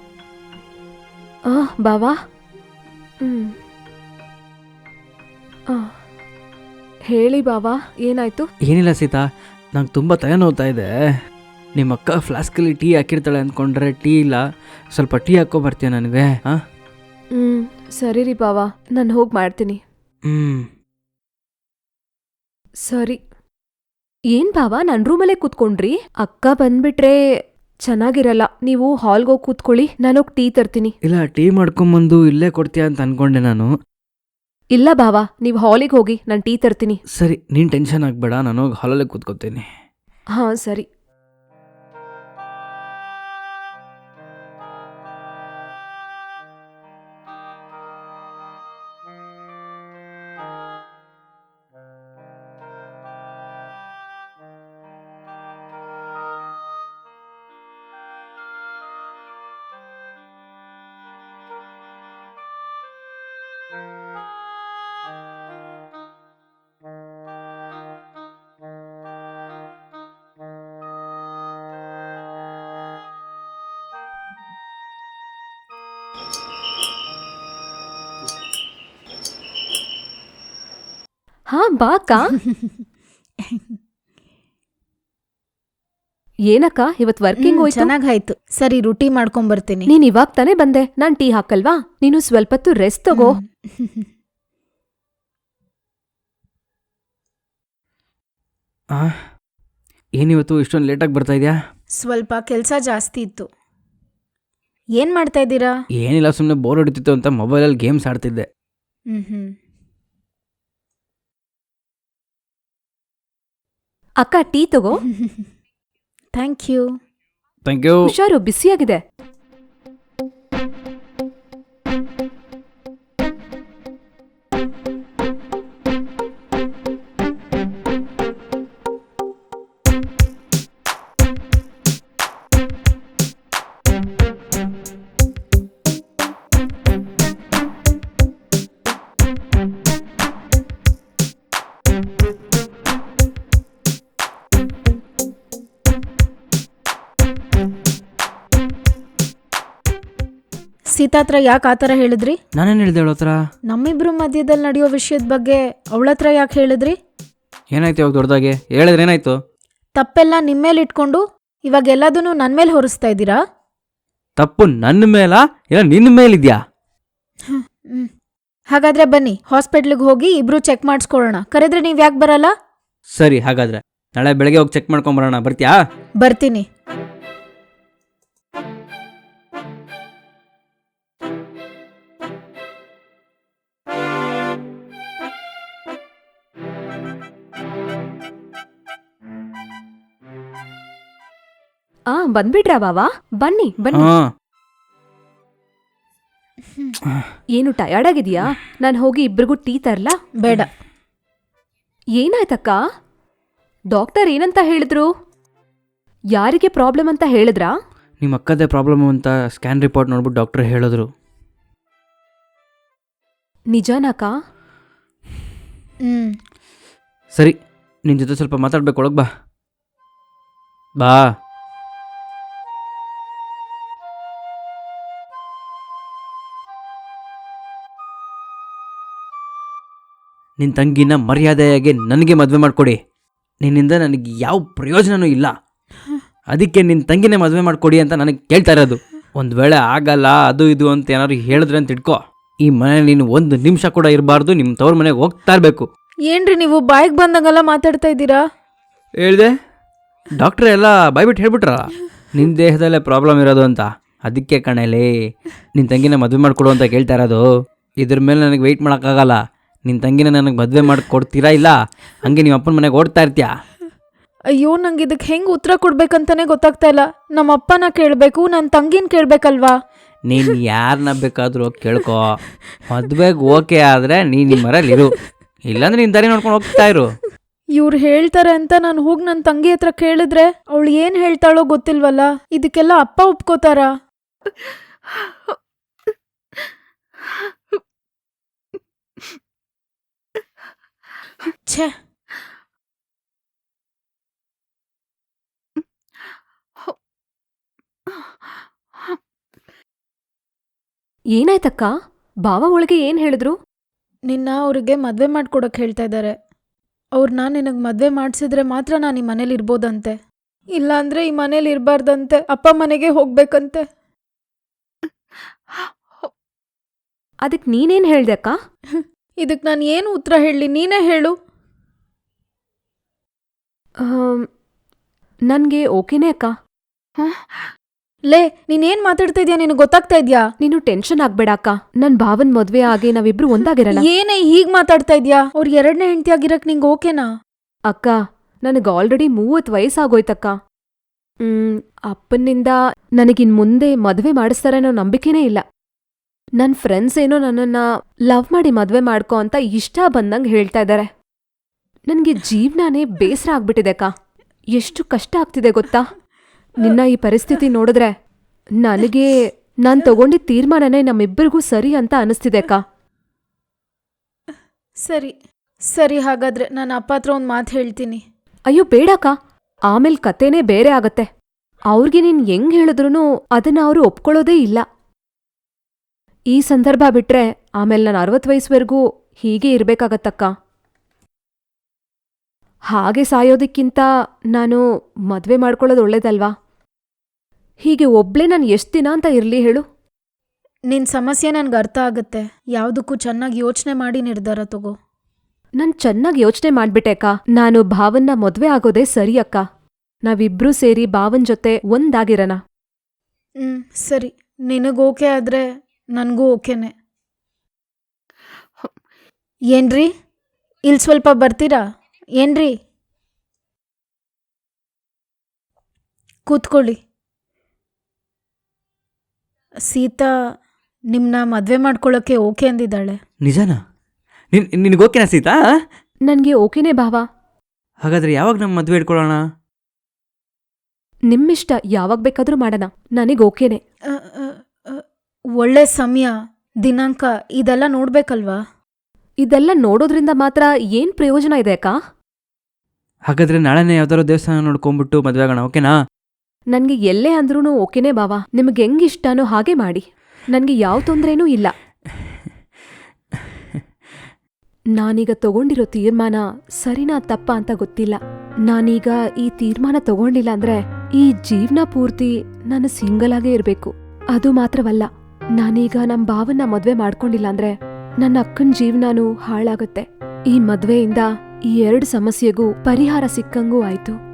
S4: ಆ, ಬಾವಾ. ಹ್ಮ್ ಆ, ಹೇಳಿ ಬಾವಾ, ಏನಾಯ್ತು?
S3: ಏನಿಲ್ಲ ಸೀತಾ, ನಂಗೆ ತುಂಬ ತಲೆ ನೋವ್ತಾ ಇದೆ. ನಿಮ್ಮ ಅಕ್ಕ ಫ್ಲಾಸ್ಕಲ್ಲಿ ಟೀ ಹಾಕಿರ್ತಾಳೆ ಅಂದ್ಕೊಂಡ್ರೆ ಟೀ ಇಲ್ಲ. ಸ್ವಲ್ಪ ಟೀ ಹಾಕ್ಕೊಂಬರ್ತೀಯ ನನಗೆ? ಹಾಂ
S4: ಹ್ಮ್ ಸರಿ ರೀ ಬಾವಾ, ನಾನು ಹೋಗಿ ಮಾಡ್ತೀನಿ.
S3: ಹ್ಞೂ
S4: ಸರಿ. ಏನ್ ಬಾವಾ ನನ್ನ ರೂಮಲ್ಲೇ ಕೂತ್ಕೊಂಡ್ರಿ? ಅಕ್ಕ ಬಂದ್ಬಿಟ್ರೆ ಚೆನ್ನಾಗಿರಲ್ಲ. ನೀವು ಹಾಲ್ಗೆ ಹೋಗಿ ಕೂತ್ಕೊಳ್ಳಿ, ನಾನೋಗಿ ಟೀ ತರ್ತೀನಿ.
S3: ಇಲ್ಲ, ಟೀ ಮಾಡ್ಕೊಂಬಂದು ಇಲ್ಲೇ ಕೊಡ್ತೀಯ ಅಂತ ಅನ್ಕೊಂಡೆ ನಾನು.
S4: ಇಲ್ಲ ಬಾವಾ, ನೀವು ಹಾಲಿಗೆ ಹೋಗಿ, ನಾನು ಟೀ ತರ್ತೀನಿ.
S3: ಸರಿ, ನೀನು ಟೆನ್ಷನ್ ಆಗಬೇಡ, ನಾನು ಹೋಗಿ ಹಾಲಲ್ಲೇ ಕೂತ್ಕೋತೀನಿ.
S4: ಹಾ ಸರಿ. ಹಾ ಬಾ ಅಕ್ಕ. ಏನಕ್ಕ ಇವತ್ ವರ್ಕಿಂಗ್ ಹೋಯ್ತು?
S1: ಚೆನ್ನಾಗಾಯ್ತು. ಸರಿ, ರುಟಿ ಮಾಡ್ಕೊಂಬರ್ತೀನಿ.
S4: ನೀನ್ ಇವಾಗ ತಾನೇ ಬಂದೆ, ನಾನ್ ಟೀ ಹಾಕಲ್ವಾ? ನೀನು ಸ್ವಲ್ಪ ಹೊತ್ತು ರೆಸ್ಟ್ ತಗೋ.
S3: ಆ ಏನಿವತ್ತು ಇಷ್ಟೊಂದು ಲೇಟಾಗಿ ಬರ್ತಾ ಇದೆಯಾ?
S1: ಸ್ವಲ್ಪ ಕೆಲಸ ಜಾಸ್ತಿ ಇತ್ತು. ಏನ್ ಮಾಡ್ತಾ ಇದ್ದೀರಾ?
S3: ಏನಿಲ್ಲ, ಸುಮ್ಮನೆ ಬೋರ್ ಹೊಡಿತಿತ್ತು ಅಂತ ಮೊಬೈಲಲ್ಲಿ ಗೇಮ್ಸ್ ಆಡ್ತಿದ್ದೆ.
S1: ಹ್ಮ್ ಹ್ಮ್
S4: ಅಕ್ಕ ಟೀ ತಗೋ.
S1: Thank you.
S3: Thank you.
S4: ಹುಷಾರು, ಬಿಸಿಯಾಗಿದೆ.
S1: ಸೀತಾ ಹತ್ರ ಯಾಕೆ ಆ ಥರ ಹೇಳಿದ್ರಿ?
S3: ನಾನೇನು ಹೇಳಿದೆ ಅವಳ ಹತ್ರ?
S1: ನಮ್ಮಿಬ್ರು ಮಧ್ಯದಲ್ಲಿ ನಡೆಯೋ ವಿಷಯದ ಬಗ್ಗೆ ಅವಳ ಹತ್ರ ಯಾಕೆ ಹೇಳಿದ್ರಿ?
S3: ಏನಾಯ್ತು ಇವಾಗ ದೊಡ್ಡದಾಗೆ? ಹೇಳಿದ್ರೆ ಏನಾಯ್ತು?
S1: ತಪ್ಪೆಲ್ಲ ನಿಮ್ಮೇಲೆ ಇಟ್ಕೊಂಡು ಇವಾಗ ಎಲ್ಲದನ್ನೂ ನನ್ನ ಮೇಲೆ ಹೊರಿಸ್ತಾ ಇದ್ದೀರಾ?
S3: ತಪ್ಪು ನನ್ನ ಮೇಲಾ ಇಲ್ಲ ನಿನ್ನ ಮೇಲಿದ್ಯಾ?
S1: ಹ್ಮ್ ಹಾಗಾದ್ರೆ ಬನ್ನಿ, ಹಾಸ್ಪಿಟ್ಲಿಗೆ ಹೋಗಿ ಇಬ್ರು ಚೆಕ್ ಮಾಡಿಸ್ಕೊಳ್ಳೋಣ. ಕರೆದ್ರೆ ನೀವ್ ಯಾಕೆ ಬರಲ್ಲ?
S3: ಸರಿ, ಹಾಗಾದ್ರೆ ನಾಳೆ ಬೆಳಗ್ಗೆ ಹೋಗಿ ಚೆಕ್ ಮಾಡ್ಕೊಂಬರೋಣ. ಬರ್ತೀಯಾ?
S1: ಬರ್ತೀನಿ.
S4: ಆ ಬಂದ್ಬಿಟ್ರಾ ಬಾವಾ? ಬನ್ನಿ ಬನ್ನಿ.
S3: ಹಾಂ.
S4: ಏನು ಟಯರ್ಡ್ ಆಗಿದ್ಯಾ? ನಾನು ಹೋಗಿ ಇಬ್ರಿಗೂ ಟೀ ತರ್ಲಾ?
S1: ಬೇಡ.
S4: ಏನಾಯ್ತಕ್ಕ? ಡಾಕ್ಟರ್ ಏನಂತ ಹೇಳಿದ್ರು? ಯಾರಿಗೆ ಪ್ರಾಬ್ಲಮ್ ಅಂತ ಹೇಳಿದ್ರಾ?
S3: ನಿಮ್ಮ ಅಕ್ಕದೇ ಪ್ರಾಬ್ಲಮ್ ಅಂತ ಸ್ಕ್ಯಾನ್ ರಿಪೋರ್ಟ್ ನೋಡ್ಬಿಟ್ಟು ಡಾಕ್ಟರ್ ಹೇಳಿದ್ರು.
S4: ನಿಜಾನಕ್ಕ?
S1: ಹ್ಮ್
S3: ಸರಿ, ನಿನ್ನ ಜೊತೆ ಸ್ವಲ್ಪ ಮಾತಾಡ್ಬೇಕು, ಒಳಗೆ ಬಾ. ಬಾ. ನಿನ್ನ ತಂಗಿನ ಮರ್ಯಾದೆಯಾಗಿ ನನಗೆ ಮದುವೆ ಮಾಡಿಕೊಡಿ. ನಿನ್ನಿಂದ ನನಗೆ ಯಾವ ಪ್ರಯೋಜನವೂ ಇಲ್ಲ. ಅದಕ್ಕೆ ನಿನ್ನ ತಂಗಿನೇ ಮದುವೆ ಮಾಡಿಕೊಡಿ ಅಂತ ನನಗೆ ಕೇಳ್ತಾ ಇರೋದು. ಒಂದು ವೇಳೆ ಆಗಲ್ಲ ಅದು ಇದು ಅಂತ ಏನಾದ್ರು ಹೇಳಿದ್ರೆ ಅಂತ ಇಟ್ಕೋ, ಈ ಮನೇಲಿ ನೀನು ಒಂದು ನಿಮಿಷ ಕೂಡ ಇರಬಾರ್ದು. ನಿಮ್ಮ ತವ್ರ ಮನೆಗೆ ಹೋಗ್ತಾ ಇರಬೇಕು.
S1: ಏನ್ರಿ ನೀವು ಬಾಯಿಗೆ ಬಂದಂಗೆಲ್ಲ ಮಾತಾಡ್ತಾ ಇದ್ದೀರಾ?
S3: ಹೇಳಿದೆ, ಡಾಕ್ಟ್ರ್ ಎಲ್ಲ ಬಾಯ್ಬಿಟ್ಟು ಹೇಳ್ಬಿಟ್ರಲ್ಲ ನಿನ್ನ ದೇಹದಲ್ಲೇ ಪ್ರಾಬ್ಲಮ್ ಇರೋದು ಅಂತ. ಅದಕ್ಕೆ ಕಣೇಲಿ ನಿನ್ನ ತಂಗಿನ ಮದುವೆ ಮಾಡಿಕೊಡು ಅಂತ ಕೇಳ್ತಾ ಇರೋದು. ಇದ್ರ ಮೇಲೆ ನನಗೆ ವೆಯ್ಟ್ ಮಾಡೋಕ್ಕಾಗಲ್ಲ. ನಿನ್ನ ತಂಗಿನ ನನಗೆ ಮದುವೆ ಮಾಡಿ ಕೊಡ್ತೀರಾ ಇಲ್ಲ ಹಂಗೆ ನಿಮ್ಮ ಅಪ್ಪನ ಮನೆಗೆ ಓಡ್ತಾ ಇರ್ತೀಯಾ?
S1: ಅಯ್ಯೋ, ನಂಗೆ ಇದಕ್ಕೆ ಹೆಂಗೆ ಉತ್ತರ ಕೊಡ್ಬೇಕಂತಾನೆ ಗೊತ್ತಾಗ್ತಾ ಇಲ್ಲ. ನಮ್ಮ ಅಪ್ಪನ ಕೇಳಬೇಕು, ನನ್ನ ತಂಗಿನ ಕೇಳಬೇಕಲ್ವಾ?
S3: ನೀನು ಯಾರನ್ನ ಬೇಕಾದರೂ ಕೇಳ್ಕೊ. ಮದುವೆಗೆ ಓಕೆ ಆದರೆ ನೀನು ನಿಮ್ಮ ಮನೇಲಿ ಇರು, ಇಲ್ಲಾಂದ್ರೆ ನಿನ್ನ ದಾರಿ ನೋಡ್ಕೊಂಡು ಹೋಗ್ತಾ ಇರು.
S1: ಇವ್ರು ಹೇಳ್ತಾರೆ ಅಂತ ನಾನು ಹೋಗಿ ನನ್ನ ತಂಗಿ ಹತ್ರ ಕೇಳಿದ್ರೆ ಅವಳು ಏನ್ ಹೇಳ್ತಾಳೋ ಗೊತ್ತಿಲ್ವಲ್ಲ. ಇದಕ್ಕೆಲ್ಲ ಅಪ್ಪ ಒಪ್ಕೋತಾರಾ? ಛೇ,
S4: ಏನಾಯ್ತಕ್ಕ? ಬಾವ ಒಳಗೆ ಏನ್ ಹೇಳಿದ್ರು?
S1: ನಿನ್ನ ಅವ್ರಿಗೆ ಮದ್ವೆ ಮಾಡ್ಕೊಡಕ್ ಹೇಳ್ತಾ ಇದ್ದಾರೆ. ಅವ್ರನ್ನ ನಿನಗ್ ಮದ್ವೆ ಮಾಡ್ಸಿದ್ರೆ ಮಾತ್ರ ನಾನು ಈ ಮನೇಲಿ ಇರ್ಬೋದಂತೆ. ಇಲ್ಲಾಂದ್ರೆ ಈ ಮನೇಲಿ ಇರಬಾರ್ದಂತೆ. ಅಪ್ಪ ಮನೆಗೆ ಹೋಗ್ಬೇಕಂತೆ.
S4: ಅದಕ್ ನೀನೇನ್ ಹೇಳ್ದೆ ಅಕ್ಕ?
S1: ಇದಕ್ ನಾನು ಏನು ಉತ್ತರ ಹೇಳಲಿ, ನೀನೇ ಹೇಳು.
S4: ಆಮ್, ನನ್ಗೆ ಓಕೆನೇ ಅಕ್ಕ.
S1: ಲೇ, ನೀನೇನ್ ಮಾತಾಡ್ತಾ ಇದ್ಯಾ? ನಿನಗೆ ಗೊತ್ತಾಗ್ತಾ ಇದ್ಯಾ?
S4: ನೀನು ಟೆನ್ಷನ್ ಆಗ್ಬೇಡ ಅಕ್ಕ. ನನ್ ಭಾವನ್ ಮದ್ವೆ ಆಗಿ ನಾವಿಬ್ರು ಒಂದಾಗಿರಲ್ಲ.
S1: ಏನೇ ಹೀಗ್ ಮಾತಾಡ್ತಾ ಇದ್ಯಾ? ಅವ್ರ ಎರಡನೇ ಹೆಂಡತಿ ಆಗಿರಕ್ ನಿಂಗೆ ಓಕೆನಾ?
S4: ಅಕ್ಕ, ನನಗ್ ಆಲ್ರೆಡಿ ಮೂವತ್ ವಯಸ್ಸಾಗೋಯ್ತಕ್ಕ. ಹ್ಮ್ ಅಪ್ಪನಿಂದ ನನಗಿನ್ ಮುಂದೆ ಮದ್ವೆ ಮಾಡಿಸ್ತಾರೆ ಅನ್ನೋ ನಂಬಿಕೆನೇ ಇಲ್ಲ. ನನ್ ಫ್ರೆಂಡ್ಸ್ ಏನೋ ನನ್ನನ್ನ ಲವ್ ಮಾಡಿ ಮದ್ವೆ ಮಾಡ್ಕೊ ಅಂತ ಇಷ್ಟ ಬಂದಂಗ್ ಹೇಳ್ತಾ ಇದ್ದಾರೆ. ನನ್ಗೆ ಜೀವ್ನಾನೇ ಬೇಸರ ಆಗ್ಬಿಟ್ಟಿದೆ ಅಕ್ಕ. ಎಷ್ಟು ಕಷ್ಟ ಆಗ್ತಿದೆ ಗೊತ್ತಾ? ನಿನ್ನ ಈ ಪರಿಸ್ಥಿತಿ ನೋಡಿದ್ರೆ ನನಗೆ ನಾನ್ ತಗೊಂಡಿದ್ ತೀರ್ಮಾನನೇ ನಮ್ಮಿಬ್ಬರಿಗೂ ಸರಿ ಅಂತ ಅನಿಸ್ತಿದೆ ಅಕ್ಕ.
S1: ಸರಿ ಸರಿ, ಹಾಗಾದ್ರೆ ನಾನು ಅಪ್ಪ ಹತ್ರ ಒಂದು ಮಾತು ಹೇಳ್ತೀನಿ.
S4: ಅಯ್ಯೋ ಬೇಡಕ್ಕ, ಆಮೇಲ್ ಕತೆನೇ ಬೇರೆ ಆಗತ್ತೆ. ಅವ್ರಿಗೆ ನೀನ್ ಹೆಂಗ್ ಹೇಳಿದ್ರೂ ಅದನ್ನ ಅವರು ಒಪ್ಕೊಳ್ಳೋದೇ ಇಲ್ಲ. ಈ ಸಂದರ್ಭ ಬಿಟ್ರೆ ಆಮೇಲೆ ನಾನು ಅರವತ್ತು ವಯಸ್ಸುವರೆಗೂ ಹೀಗೆ ಇರ್ಬೇಕಾಗತ್ತಕ್ಕ. ಹಾಗೆ ಸಾಯೋದಕ್ಕಿಂತ ನಾನು ಮದ್ವೆ ಮಾಡ್ಕೊಳ್ಳೋದು ಒಳ್ಳೇದಲ್ವಾ? ಹೀಗೆ ಒಬ್ಳೇ ನಾನು ಎಷ್ಟು ದಿನ ಅಂತ ಇರ್ಲಿ ಹೇಳು?
S1: ನಿನ್ನ ಸಮಸ್ಯೆ ನನ್ಗೆ ಅರ್ಥ ಆಗುತ್ತೆ. ಯಾವುದಕ್ಕೂ ಚೆನ್ನಾಗಿ ಯೋಚನೆ ಮಾಡಿ ನಿರ್ಧಾರ ತಗೋ.
S4: ನಾನ್ ಚೆನ್ನಾಗಿ ಯೋಚನೆ ಮಾಡ್ಬಿಟ್ಟೆ ಅಕ್ಕ. ನಾನು ಭಾವನ್ನ ಮದ್ವೆ ಆಗೋದೇ ಸರಿ ಅಕ್ಕ. ನಾವಿಬ್ರೂ ಸೇರಿ ಭಾವನ್ ಜೊತೆ ಒಂದಾಗಿರೋಣ.
S1: ಹ್ಮ್ ಸರಿ, ನಿನಗೆ ಓಕೆ ಆದ್ರೆ ನನಗೂ ಓಕೆನೆ. ಏನ್ರಿ, ಇಲ್ಲಿ ಸ್ವಲ್ಪ ಬರ್ತೀರಾ? ಏನ್ರಿ, ಕೂತ್ಕೊಳ್ಳಿ. ಸೀತಾ ನಿಮ್ಮನ್ನ ಮದುವೆ ಮಾಡ್ಕೊಳ್ಳೋಕ್ಕೆ ಓಕೆ ಅಂದಿದ್ದಾಳೆ.
S3: ನಿಜನಾ? ನಿನ್ ನಿನಗೆ ಓಕೆನಾ ಸೀತಾ?
S4: ನನ್ಗೆ ಓಕೆನೇ ಭಾವ.
S3: ಹಾಗಾದ್ರೆ ಯಾವಾಗ ನಮ್ಮ ಮದುವೆ ಇಟ್ಕೊಳ್ಳೋಣ?
S4: ನಿಮ್ಮಿಷ್ಟ, ಯಾವಾಗ ಬೇಕಾದ್ರೂ ಮಾಡೋಣ. ನನಗೆ ಓಕೆನೆ.
S1: ಅ, ಅ, ಅ, ಒಳ್ಳೆ ಸಮಯ, ದಿನಾಂಕ ಇದೆಲ್ಲ ನೋಡ್ಬೇಕಲ್ವಾ?
S4: ಇದೆಲ್ಲ ನೋಡೋದ್ರಿಂದ ಮಾತ್ರ ಏನ್ ಪ್ರಯೋಜನ ಇದೆ ಅಕ್ಕ?
S3: ಹಾಗಾದ್ರೆ ನಾಳೆನೇ ಯಾವ್ದಾದ್ರು ದೇವಸ್ಥಾನ ನೋಡ್ಕೊಂಡ್ಬಿಟ್ಟು ಮದುವೆ ಆಗೋಣ, ಓಕೆನಾ?
S4: ನನ್ಗೆ ಎಲ್ಲೇ ಅಂದ್ರೂ ಓಕೆನೇ ಭಾವ. ನಿಮ್ಗೆ ಹೆಂಗಿಷ್ಟನೋ ಹಾಗೆ ಮಾಡಿ. ನನ್ಗೆ ಯಾವ ತೊಂದ್ರೆನೂ ಇಲ್ಲ. ನಾನೀಗ ತಗೊಂಡಿರೋ ತೀರ್ಮಾನ ಸರಿನಾ ತಪ್ಪ ಅಂತ ಗೊತ್ತಿಲ್ಲ. ನಾನೀಗ ಈ ತೀರ್ಮಾನ ತಗೊಂಡಿಲ್ಲ ಅಂದ್ರೆ ಈ ಜೀವನ ಪೂರ್ತಿ ನಾನು ಸಿಂಗಲ್ ಆಗೇ ಇರ್ಬೇಕು. ಅದು ಮಾತ್ರವಲ್ಲ, ನಾನೀಗ ನಮ್ ಭಾವನ್ನ ಮದ್ವೆ ಮಾಡ್ಕೊಂಡಿಲ್ಲ ಅಂದ್ರೆ ನನ್ನ ಅಕ್ಕನ್ ಜೀವನಾನೂ ಹಾಳಾಗತ್ತೆ. ಈ ಮದ್ವೆಯಿಂದ ಈ ಎರಡು ಸಮಸ್ಯೆಗೂ ಪರಿಹಾರ ಸಿಕ್ಕಂಗೂ ಆಯ್ತು.